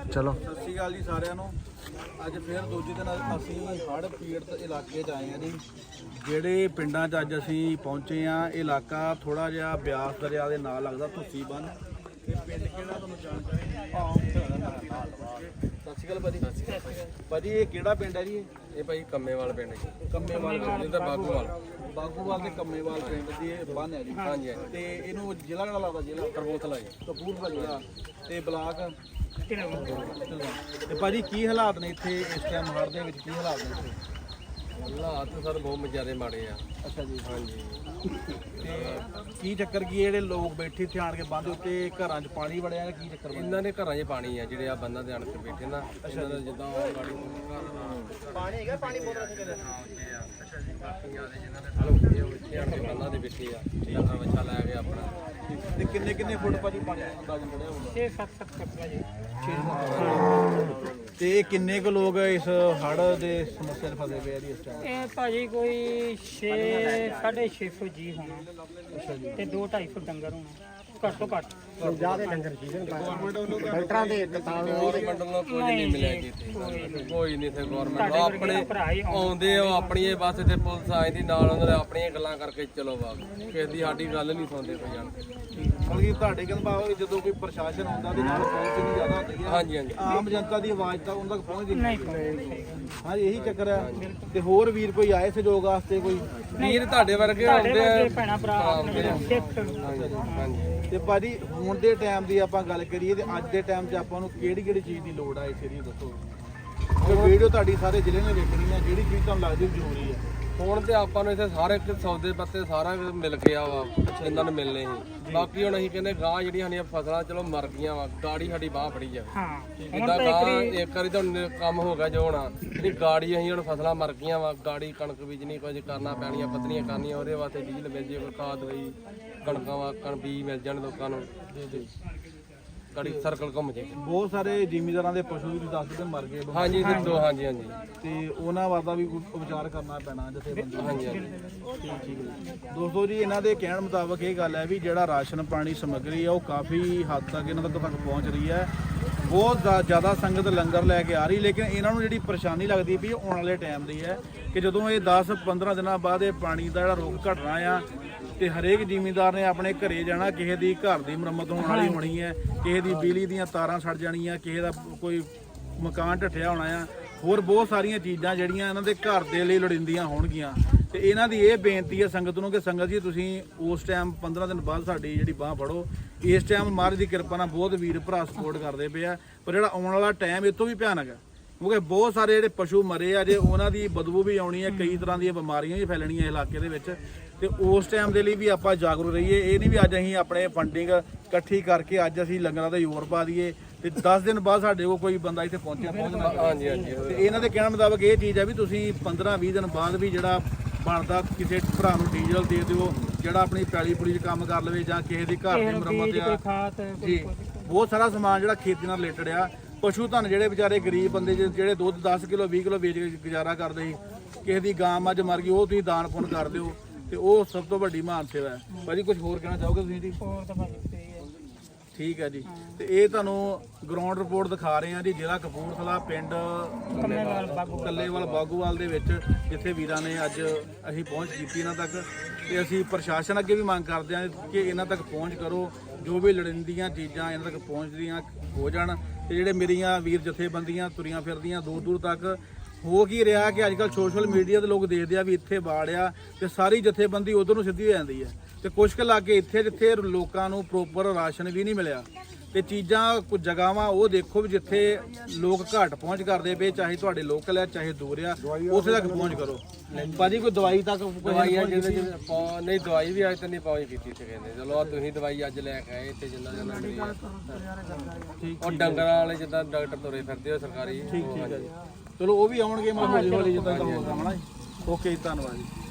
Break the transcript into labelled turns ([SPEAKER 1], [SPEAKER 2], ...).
[SPEAKER 1] ਚਲੋ
[SPEAKER 2] ਸਤਿ ਸ਼੍ਰੀ ਅਕਾਲ ਜੀ ਸਾਰਿਆਂ ਨੂੰ। ਅੱਜ ਫਿਰ ਦੂਜੇ ਦਿਨ ਅਸੀਂ ਹੜ੍ਹ ਪੀੜਤ ਇਲਾਕੇ 'ਚ ਆਏ ਹਾਂ ਜੀ। ਜਿਹੜੇ ਪਿੰਡਾਂ 'ਚ ਅੱਜ ਅਸੀਂ ਪਹੁੰਚੇ ਹਾਂ, ਇਹ ਇਲਾਕਾ ਥੋੜਾ ਜਿਹਾ ਬਿਆਸ ਦਰਿਆ ਦੇ ਨਾਲ ਲੱਗਦਾ, ਧੁੱਸੀ ਬੰਨ। ਤੇ ਪਿੰਡ ਕਿਹੜਾ ਤੁਹਾਨੂੰ ਜਾਣਕਾਰੀ? ਸਤਿ ਸ਼੍ਰੀ ਅਕਾਲ ਭਾਜੀ। ਭਾਜੀ ਇਹ ਕਿਹੜਾ ਪਿੰਡ ਹੈ ਜੀ?
[SPEAKER 3] ਇਹ ਭਾਈ ਕੰਮੇਵਾਲ ਪਿੰਡ ਜੀ।
[SPEAKER 2] ਕੰਮੇਵਾਲ
[SPEAKER 3] ਪਿੰਡ ਤਾਂ ਬਾਗੂਵਾਲ
[SPEAKER 2] ਤੇ ਕੰਮੇਵਾਲ ਪਿੰਡ ਦੀ ਇਹ ਬੰਨ ਹੈ ਜੀ।
[SPEAKER 3] ਹਾਂਜੀ
[SPEAKER 2] ਤੇ ਇਹਨੂੰ ਜ਼ਿਲ੍ਹਾ ਕਿਹੜਾ ਲੱਗਦਾ? ਜ਼ਿਲ੍ਹਾ
[SPEAKER 3] ਕਪੂਰਥਲਾ ਜੀ।
[SPEAKER 2] ਕਪੂਰਥਲਾ ਜ਼ਿਲ੍ਹਾ ਤੇ ਬਲਾਕ। ਤੇ ਭਾਜੀ ਕੀ ਹਾਲਾਤ ਨੇ ਇੱਥੇ ਇਸ ਟਾਈਮ ਹੜ੍ਹ ਦੇ ਵਿੱਚ? ਕੀ ਹਾਲਾਤ ਨੇ ਇੱਥੇ?
[SPEAKER 3] ਹਾਲਾਤ ਸਰ ਬਹੁਤ ਜ਼ਿਆਦਾ ਮਾੜੇ ਆ।
[SPEAKER 2] ਅੱਛਾ ਜੀ।
[SPEAKER 3] ਹਾਂਜੀ।
[SPEAKER 2] ਤੇ ਕੀ ਚੱਕਰ ਕੀ ਜਿਹੜੇ ਲੋਕ ਬੈਠੇ ਇੱਥੇ ਆਣ ਕੇ ਬੰਦ ਉੱਤੇ ਘਰਾਂ 'ਚ ਪਾਣੀ ਵੜਿਆ ਜਾਂ ਕੀ ਚੱਕਰ ਬਣਿਆ?
[SPEAKER 3] ਇਹਨਾਂ ਦੇ ਘਰਾਂ 'ਚ ਪਾਣੀ ਆ, ਜਿਹੜੇ ਆ ਬੰਦਾਂ ਦੇ ਆਣ ਕੇ ਬੈਠੇ ਨਾ। ਇਹਨਾਂ ਦਾ ਜਿੱਦਾਂ ਗਾੜੀ
[SPEAKER 2] ਪਾਣੀ ਹੈਗਾ, ਪਾਣੀ ਬੋਤਲ ਰੱਖ ਕੇ
[SPEAKER 3] ਅੱਛਾ ਜੀ। ਬਾਕੀ ਆ ਜਿਨ੍ਹਾਂ ਦੇ ਹਲਕੇ ਉਹ ਇੱਥੇ ਆਣ ਕੇ ਬੰਦਾਂ ਦੇ ਬੈਠੇ ਆ, ਡੰਗਰ ਵੱਛਾ ਲੈ ਕੇ ਆਪਣਾ।
[SPEAKER 2] ਤੇ ਕਿੰਨੇ ਫੁੱਟ ਭਾਜੀ ਪਾਣੀ ਅੰਦਾਜ਼ਨ ਵੜਿਆ ਹੋਊਗਾ?
[SPEAKER 4] 6-7 ਫੁੱਟ ਜੀ।
[SPEAKER 2] ਤੇ ਇਹ ਕਿੰਨੇ ਕੁ ਲੋਕ ਇਸ ਹੜ੍ਹ ਦੇ ਸਮੱਸਿਆ 'ਚ ਫਸੇ ਪਏ ਆ ਜੀ ਇਸ ਟਾਈਮ?
[SPEAKER 4] ਇਹ ਭਾਜੀ ਕੋਈ 650 ਜੀ ਹੋਣਾ।
[SPEAKER 2] ਅੱਛਾ ਜੀ।
[SPEAKER 4] ਤੇ 2-250 ਡੰਗਰ ਹੋਣਾ ਘੱਟ ਤੋਂ ਘੱਟ।
[SPEAKER 2] ਜ਼ਿਆਦਾ ਡੰਗਰ ਸੀ ਡਾਕਟਰਾਂ ਦੇ
[SPEAKER 3] ਗਵਰਨਮੈਂਟ ਨੂੰ ਕੁਝ ਨਹੀਂ ਮਿਲਿਆ ਜੀ ਇੱਥੇ। ਕੋਈ ਨਹੀਂ ਇੱਥੇ ਗਵਰਨਮੈਂਟ ਆਪਣੇ ਆਉਂਦੇ ਆ, ਆਪਣੀਆਂ ਬਸ ਤੇ ਪੁਲਿਸ ਆਈ ਦੀ ਨਾਲ, ਉਹਨਾਂ ਦੇ ਆਪਣੀਆਂ ਗੱਲਾਂ ਕਰਕੇ ਚਲੋ ਬਾਗ। ਕਿਸੇ ਦੀ ਸਾਡੀ ਗੱਲ ਨਹੀਂ ਸੁਣਦੇ ਕੋਈ ਜਾਣ ਕੇ।
[SPEAKER 2] ਮਤਲਬ ਕਿ ਤੁਹਾਡੇ ਕਹਿੰਦਾ ਜਦੋਂ ਕੋਈ ਪ੍ਰਸ਼ਾਸਨ ਆਉਂਦਾ ਦੇ ਨਾਲ ਪਹੁੰਚ ਨਹੀਂ ਜ਼ਿਆਦਾ ਹੁੰਦੀ ਹੈ।
[SPEAKER 3] ਹਾਂਜੀ ਹਾਂਜੀ।
[SPEAKER 2] ਆਮ ਜਨਤਾ ਦੀ ਆਵਾਜ਼ ਤਾਂ ਉਹਨਾਂ ਤੱਕ ਪਹੁੰਚਦੀ
[SPEAKER 4] ਨਹੀਂ
[SPEAKER 2] ਹਾਂਜੀ, ਇਹੀ ਚੱਕਰ ਹੈ। ਤੇ ਹੋਰ ਵੀਰ ਕੋਈ ਆਏ ਸਹਿਯੋਗ ਵਾਸਤੇ? ਕੋਈ
[SPEAKER 3] ਵੀਰ ਤੁਹਾਡੇ ਵਰਗੇ ਆਉਂਦੇ ਆ।
[SPEAKER 4] ਭੈਣਾ ਭਰਾ ਸਿੱਖ।
[SPEAKER 3] ਹਾਂਜੀ।
[SPEAKER 2] ਤੇ ਭਾਜੀ ਹੁਣ ਦੇ ਟਾਈਮ ਦੀ ਆਪਾਂ ਗੱਲ ਕਰੀਏ ਤੇ ਅੱਜ ਦੇ ਟਾਈਮ 'ਚ ਆਪਾਂ ਨੂੰ ਕਿਹੜੀ ਚੀਜ਼ ਦੀ ਲੋੜ ਆ ਇਸ ਏਰੀਏ ਦੱਸੋ? ਵੀਡੀਓ ਤੁਹਾਡੀ ਸਾਰੇ ਜ਼ਿਲ੍ਹੇ ਨੇ ਵੇਖਣੀ ਹੈ, ਜਿਹੜੀ ਚੀਜ਼ ਤੁਹਾਨੂੰ ਲੱਗਦੀ ਜ਼ਰੂਰੀ ਹੈ।
[SPEAKER 3] ਹੁਣ ਤੇ ਆਪਾਂ ਨੂੰ ਇੱਥੇ ਸਾਰੇ ਸੌਦੇ ਪੱਤੇ ਸਾਰਾ ਕੁਝ ਮਿਲ ਗਿਆ ਵਾ, ਇਹਨਾਂ ਨੂੰ ਮਿਲਨੇ ਸੀ। ਬਾਕੀ ਹੁਣ ਅਸੀਂ ਕਹਿੰਦੇ ਗਾਂ ਜਿਹੜੀਆਂ ਸਾਡੀਆਂ ਫਸਲਾਂ ਚਲੋ ਮਰ ਗਈਆਂ ਵਾ, ਗਾੜੀ ਸਾਡੀ ਬਾਹ ਫੜੀ ਜਾਵੇ।
[SPEAKER 4] ਹਾਂ
[SPEAKER 3] ਜਿੱਦਾਂ ਗਾਂ ਇੱਕ ਵਾਰੀ ਤਾਂ ਕੰਮ ਹੋ ਗਿਆ ਜੋ ਹੋਣਾ, ਜਿਹੜੀ ਗਾੜੀ ਅਸੀਂ ਹੁਣ ਫਸਲਾਂ ਮਰ ਗਈਆਂ ਵਾ, ਗਾੜੀ ਕਣਕ ਬੀਜਣੀ, ਕੁਝ ਕਰਨਾ ਪੈਣੀਆਂ, ਪੱਤਰੀਆਂ ਕਰਨੀਆਂ, ਉਹਦੇ ਵਾਸਤੇ ਡੀਜ਼ਲ ਮਿਲ ਜੇ, ਕੋਈ ਖਾਦ ਹੋਈ, ਕਣਕਾਂ ਵਾ ਬੀਜ ਮਿਲ ਜਾਣ ਲੋਕਾਂ ਨੂੰ, ਗਾੜੀ ਸਰਕਲ ਘੁੰਮ ਜੇ।
[SPEAKER 2] ਬਹੁਤ ਸਾਰੇ ਜ਼ਿਮੀਂਦਾਰਾਂ ਦੇ ਪਸ਼ੂ ਵੀ ਦੱਸਦੇ ਮਰ ਗਏ।
[SPEAKER 3] ਹਾਂਜੀ ਹਾਂਜੀ ਹਾਂਜੀ।
[SPEAKER 2] ਤੇ ਉਹਨਾਂ ਵਾਦਾ ਵੀ ਵਿਚਾਰ ਕਰਨਾ ਪੈਣਾ ਜਥੇਬੰਦੀ।
[SPEAKER 3] ਹਾਂਜੀ ਹਾਂਜੀ।
[SPEAKER 2] ਠੀਕ ਹੈ ਦੋਸਤੋ ਜੀ, ਇਹਨਾਂ ਦੇ ਕਹਿਣ ਮੁਤਾਬਕ ਇਹ ਗੱਲ ਹੈ ਵੀ ਜਿਹੜਾ ਰਾਸ਼ਨ ਪਾਣੀ ਸਮੱਗਰੀ ਹੈ ਉਹ ਕਾਫੀ ਹੱਦ ਤੱਕ ਇਹਨਾਂ ਤੱਕ ਪਹੁੰਚ ਰਹੀ ਹੈ। ਬਹੁਤ ਜ਼ਿਆਦਾ ਸੰਗਤ ਲੰਗਰ ਲੈ ਕੇ ਆ ਰਹੀ, ਲੇਕਿਨ ਇਹਨਾਂ ਨੂੰ ਜਿਹੜੀ ਪਰੇਸ਼ਾਨੀ ਲੱਗਦੀ ਵੀ ਆਉਣ ਵਾਲੇ ਟਾਈਮ ਦੀ ਹੈ ਕਿ ਜਦੋਂ ਇਹ 10-15 ਦਿਨਾਂ ਬਾਅਦ ਇਹ ਪਾਣੀ ਦਾ ਜਿਹੜਾ ਰੁੱਖ ਘਟਣਾ ਆ ਤੇ ਹਰੇਕ ਜ਼ਿਮੀਂਦਾਰ ਨੇ ਆਪਣੇ ਘਰੇ ਜਾਣਾ, ਕਿਸੇ ਦੀ ਘਰ ਦੀ ਮੁਰੰਮਤ ਹੋਣ ਵਾਲੀ ਹੋਣੀ ਹੈ, ਕਿਸੇ ਦੀ ਬਿਜਲੀ ਦੀਆਂ ਤਾਰਾਂ ਸੜ ਜਾਣੀਆਂ, ਕਿਸੇ ਦਾ ਕੋਈ ਮਕਾਨ ਢੱਠਿਆ ਹੋਣਾ ਆ, ਹੋਰ ਬਹੁਤ ਸਾਰੀਆਂ ਚੀਜ਼ਾਂ ਜਿਹੜੀਆਂ ਇਹਨਾਂ ਦੇ ਘਰ ਦੇ ਲਈ ਲੋੜੀਂਦੀਆਂ ਹੋਣਗੀਆਂ। ਤੇ ਇਹਨਾਂ ਦੀ ਇਹ ਬੇਨਤੀ ਹੈ ਸੰਗਤ ਨੂੰ ਕਿ ਸੰਗਤ ਜੀ ਤੁਸੀਂ ਉਸ ਟਾਈਮ 15 ਦਿਨ ਬਾਅਦ ਸਾਡੀ ਜਿਹੜੀ ਬਾਹ ਫੜੋ। ਇਸ ਟਾਈਮ ਮਹਾਰਾਜ ਦੀ ਕਿਰਪਾ ਨਾਲ ਬਹੁਤ ਵੀਰ ਭਰਾ ਸਪੋਰਟ ਕਰਦੇ ਪਏ ਆ, ਪਰ ਜਿਹੜਾ ਆਉਣ ਵਾਲਾ ਟਾਈਮ ਇਹ ਤੋਂ ਵੀ ਭਿਆਨਕ ਹੈ, ਕਿਉਂਕਿ ਬਹੁਤ ਸਾਰੇ ਜਿਹੜੇ ਪਸ਼ੂ ਮਰੇ ਆ ਜੇ, ਉਹਨਾਂ ਦੀ ਬਦਬੂ ਵੀ ਆਉਣੀ ਹੈ, ਕਈ ਤਰ੍ਹਾਂ ਦੀਆਂ ਬਿਮਾਰੀਆਂ ਵੀ ਫੈਲਣੀਆਂ ਇਲਾਕੇ ਦੇ ਵਿੱਚ। ਤੇ ਉਸ ਟਾਈਮ ਦੇ ਲਈ ਵੀ ਆਪਾਂ ਜਾਗਰੂਕ ਰਹੀਏ। ਇਹ ਨਹੀਂ ਵੀ ਅੱਜ ਅਸੀਂ ਆਪਣੇ ਫੰਡਿੰਗ ਇਕੱਠੀ ਕਰਕੇ ਅੱਜ ਅਸੀਂ ਲੰਗਰਾਂ ਤੇ ਜ਼ੋਰ ਪਾ ਦਈਏ ਤੇ 10 ਦਿਨ ਬਾਅਦ ਸਾਡੇ ਕੋਲ ਕੋਈ ਬੰਦਾ ਇੱਥੇ ਪਹੁੰਚਣਾ।
[SPEAKER 3] ਹਾਂਜੀ ਹਾਂਜੀ।
[SPEAKER 2] ਤੇ ਇਹਨਾਂ ਦੇ ਕਹਿਣ ਮੁਤਾਬਕ ਇਹ ਚੀਜ਼ ਹੈ ਵੀ ਤੁਸੀਂ 15-20 ਦਿਨ ਬਾਅਦ ਵੀ ਜਿਹੜਾ ਬਣਦਾ ਕਿਸੇ ਭਰਾ ਨੂੰ ਡੀਜ਼ਲ ਦੇ ਦਿਓ, ਜਿਹੜਾ ਆਪਣੀ ਪੈਲੀ ਪੁਲੀ 'ਚ ਕੰਮ ਕਰ ਲਵੇ ਜਾਂ ਕਿਸੇ ਦੀ ਘਰ ਦੀ ਮੁਰੰਮਤ ਆ ਜੀ। ਬਹੁਤ ਸਾਰਾ ਸਮਾਨ ਜਿਹੜਾ ਖੇਤੀ ਨਾਲ ਰਿਲੇਟਡ ਆ। ਪਸ਼ੂ ਧਨ ਜਿਹੜੇ ਵਿਚਾਰੇ ਗਰੀਬ ਬੰਦੇ ਜਿਹੜੇ ਦੁੱਧ 10 ਕਿਲੋ 20 ਕਿਲੋ ਵੇਚ ਕੇ ਗੁਜ਼ਾਰਾ ਕਰਦੇ ਸੀ, ਕਿਸੇ ਦੀ ਗਾਂ ਮੱਝ ਮਰ ਗਈ, ਉਹ ਤੁਸੀਂ ਦਾਨ ਪੁੰਨ ਕਰ ਦਿਓ ਤੇ ਉਹ ਸਭ ਤੋਂ ਵੱਡੀ ਮਹਾਨ ਸੇਵਾ ਹੈ। ਭਾਜੀ ਕੁਝ ਹੋਰ ਕਹਿਣਾ ਚਾਹੋਗੇ ਤੁਸੀਂ ਜੀ? ਠੀਕ ਹੈ ਜੀ। ਤੇ ਇਹ ਤੁਹਾਨੂੰ ਗਰਾਊਂਡ ਰਿਪੋਰਟ ਦਿਖਾ ਰਹੇ ਹਾਂ ਜੀ, ਜ਼ਿਲ੍ਹਾ ਕਪੂਰਥਲਾ, ਪਿੰਡ ਕੱਲੇਵਾਲ ਬਾਗੂਵਾਲ ਦੇ ਵਿੱਚ, ਜਿੱਥੇ ਵੀਰਾਂ ਨੇ ਅੱਜ ਅਸੀਂ ਪਹੁੰਚ ਕੀਤੀ ਇਹਨਾਂ ਤੱਕ। ਤੇ ਅਸੀਂ ਪ੍ਰਸ਼ਾਸਨ ਅੱਗੇ ਵੀ ਮੰਗ ਕਰਦੇ ਹਾਂ ਕਿ ਇਹਨਾਂ ਤੱਕ ਪਹੁੰਚ ਕਰੋ, ਜੋ ਵੀ ਲੋੜੀਂਦੀਆਂ ਚੀਜ਼ਾਂ ਇਹਨਾਂ ਤੱਕ ਪਹੁੰਚਦੀਆਂ ਹੋ ਜਾਣ। ਤੇ ਜਿਹੜੇ ਮੇਰੀਆਂ ਵੀਰ ਜਥੇਬੰਦੀਆਂ ਤੁਰੀਆਂ ਫਿਰਦੀਆਂ ਦੂਰ ਦੂਰ ਤੱਕ, ਹੋ ਕੀ ਰਿਹਾ ਕਿ ਅੱਜ ਕੱਲ੍ਹ ਸੋਸ਼ਲ ਮੀਡੀਆ ਦੇ ਲੋਕ ਦੇਖਦੇ ਆ ਵੀ ਇੱਥੇ ਬਾੜਿਆ ਤੇ ਸਾਰੀ ਜਥੇਬੰਦੀ ਉਧਰ ਨੂੰ ਸਿੱਧੀ ਹੋ ਜਾਂਦੀ ਹੈ। ਤੇ ਕੁਛ ਕੁ ਲਾਗੇ ਇੱਥੇ ਜਿੱਥੇ ਲੋਕਾਂ ਨੂੰ ਪ੍ਰੋਪਰ ਰਾਸ਼ਨ ਵੀ ਨਹੀਂ ਮਿਲਿਆ। ਤੇ ਚੀਜ਼ਾਂ ਕੁਝ ਜਗ੍ਹਾਵਾਂ ਉਹ ਦੇਖੋ ਵੀ ਜਿੱਥੇ ਲੋਕ ਘੱਟ ਪਹੁੰਚ ਕਰਦੇ ਪਏ, ਚਾਹੇ ਤੁਹਾਡੇ ਲੋਕਲ ਆ ਚਾਹੇ ਦੂਰ ਆ, ਉੱਥੇ ਤੱਕ ਪਹੁੰਚ ਕਰੋ। ਭਾਜੀ ਕੋਈ ਦਵਾਈ ਤੱਕ
[SPEAKER 3] ਦਵਾਈਆਂ ਨਹੀਂ, ਦਵਾਈ ਵੀ ਅੱਜ ਤੱਕ ਨਹੀਂ ਪਹੁੰਚ ਕੀਤੀ ਇੱਥੇ ਕਹਿੰਦੇ। ਚਲੋ ਤੁਸੀਂ ਦਵਾਈ ਅੱਜ ਲੈ ਕੇ ਆਏ ਇੱਥੇ, ਜਿੰਨਾ ਉਹ ਡੰਗਰਾਂ ਵਾਲੇ ਜਿੱਦਾਂ ਡਾਕਟਰ ਤੁਰੇ ਫਿਰਦੇ ਹੋ ਸਰਕਾਰੀ।
[SPEAKER 2] ਠੀਕ ਹੈ ਜੀ, ਚਲੋ ਉਹ ਵੀ ਆਉਣਗੇ ਮੈਂ ਹੌਲੀ ਹੌਲੀ ਜਿੱਦਾਂ ਕੰਮ ਹੋਣਾ। ਓਕੇ ਜੀ, ਧੰਨਵਾਦ ਜੀ।